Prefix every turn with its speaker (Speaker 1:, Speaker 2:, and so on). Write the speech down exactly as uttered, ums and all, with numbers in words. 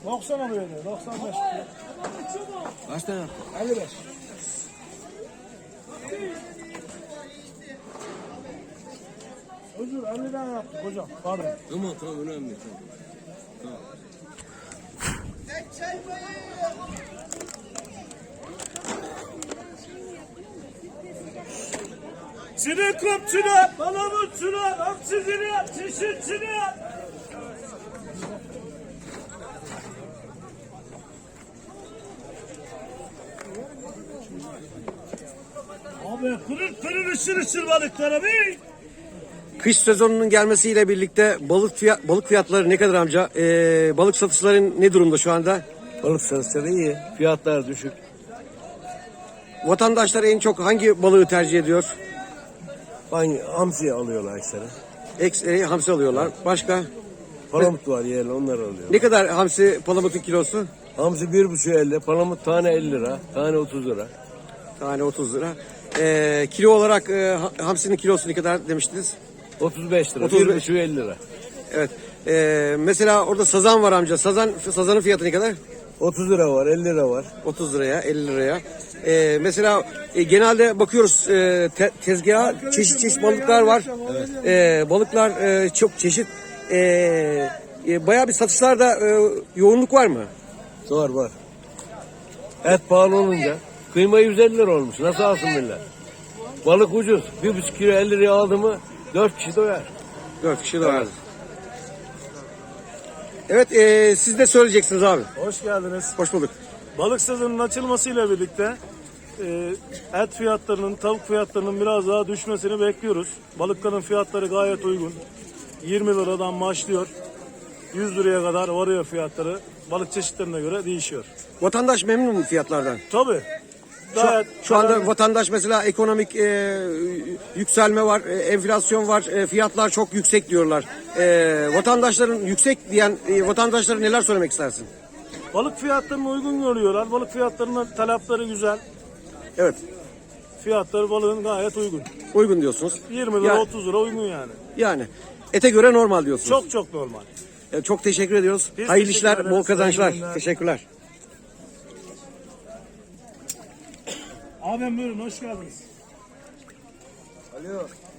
Speaker 1: doksan alıyor diyor. doksan beş.
Speaker 2: Kaç tane yaptın?
Speaker 1: elli beş. Özür elli tane yaptık hocam. Pardon.
Speaker 2: Tamam tamam önemli tamam. Tamam.
Speaker 1: Çinekopçular, palamutçular, hamsiciler, çeşitçiler. Abi pırıl pırıl ışır ışır balıklara bir.
Speaker 3: Kış sezonunun gelmesiyle birlikte balık fiyat, balık fiyatları ne kadar amca? Ee, balık satışların ne durumda şu anda?
Speaker 2: Balık satışları iyi. Fiyatlar düşük.
Speaker 3: Vatandaşlar en çok hangi balığı tercih ediyor?
Speaker 2: Hangi hamsi alıyorlar ekstra.
Speaker 3: Eks, e, hamsi alıyorlar. Başka?
Speaker 2: Palamut var yerli onlar alıyor.
Speaker 3: Ne kadar hamsi palamutun kilosu?
Speaker 2: Hamsi bir buçuk elli. Palamut tane elli lira. Tane otuz lira.
Speaker 3: Tane otuz lira. Ee, kilo olarak e, ha- hamsinin kilosu ne kadar demiştiniz?
Speaker 2: otuz beş lira.
Speaker 3: otuz beş.
Speaker 2: Bir buçuk elli lira.
Speaker 3: Evet. Ee, mesela orada sazan var amca. Sazan sazanın fiyatı ne kadar?
Speaker 2: otuz lira var, elli lira var.
Speaker 3: otuz liraya, elli liraya. Ee, mesela e, genelde bakıyoruz e, te, tezgaha çeşit çeşit balıklar var. Ee, balıklar e, çok çeşit. Ee, e, bayağı bir satışlarda e, yoğunluk var mı?
Speaker 2: Var var. Et pahalı olunca kıyma yüz elli lira olmuş. Nasıl alsın millet? Balık ucuz. Bir buçuk kilo elli liraya aldı mı dört kişi doyar.
Speaker 3: Dört kişi de var. Evet, e, siz de söyleyeceksiniz abi.
Speaker 1: Hoş geldiniz.
Speaker 3: Hoş bulduk.
Speaker 1: Balık sezonunun açılmasıyla birlikte e, et fiyatlarının, tavuk fiyatlarının biraz daha düşmesini bekliyoruz. Balıkların fiyatları gayet uygun. yirmi liradan başlıyor. yüz liraya kadar varıyor fiyatları. Balık çeşitlerine göre değişiyor.
Speaker 3: Vatandaş memnun mu fiyatlardan?
Speaker 1: Tabii.
Speaker 3: Şu,
Speaker 1: Gayet
Speaker 3: şu anda vatandaş mesela ekonomik e, yükselme var, e, enflasyon var, e, fiyatlar çok yüksek diyorlar. E, vatandaşların yüksek diyen e, vatandaşlara neler söylemek istersin?
Speaker 1: balık fiyatlarını uygun görüyorlar. Balık fiyatlarının talepleri güzel.
Speaker 3: Evet,
Speaker 1: Fiyatları balığın gayet uygun.
Speaker 3: uygun diyorsunuz.
Speaker 1: yirmi lira
Speaker 3: Ya-
Speaker 1: otuz lira uygun yani.
Speaker 3: Yani ete göre normal diyorsunuz.
Speaker 1: Çok çok normal.
Speaker 3: E, çok teşekkür ediyoruz.
Speaker 1: Biz
Speaker 3: Hayırlı
Speaker 1: teşekkür
Speaker 3: işler,
Speaker 1: ederiz.
Speaker 3: bol kazançlar.
Speaker 1: Hayırlı günler.
Speaker 3: Teşekkürler.
Speaker 1: Abim buyurun hoş geldiniz.
Speaker 2: Alo.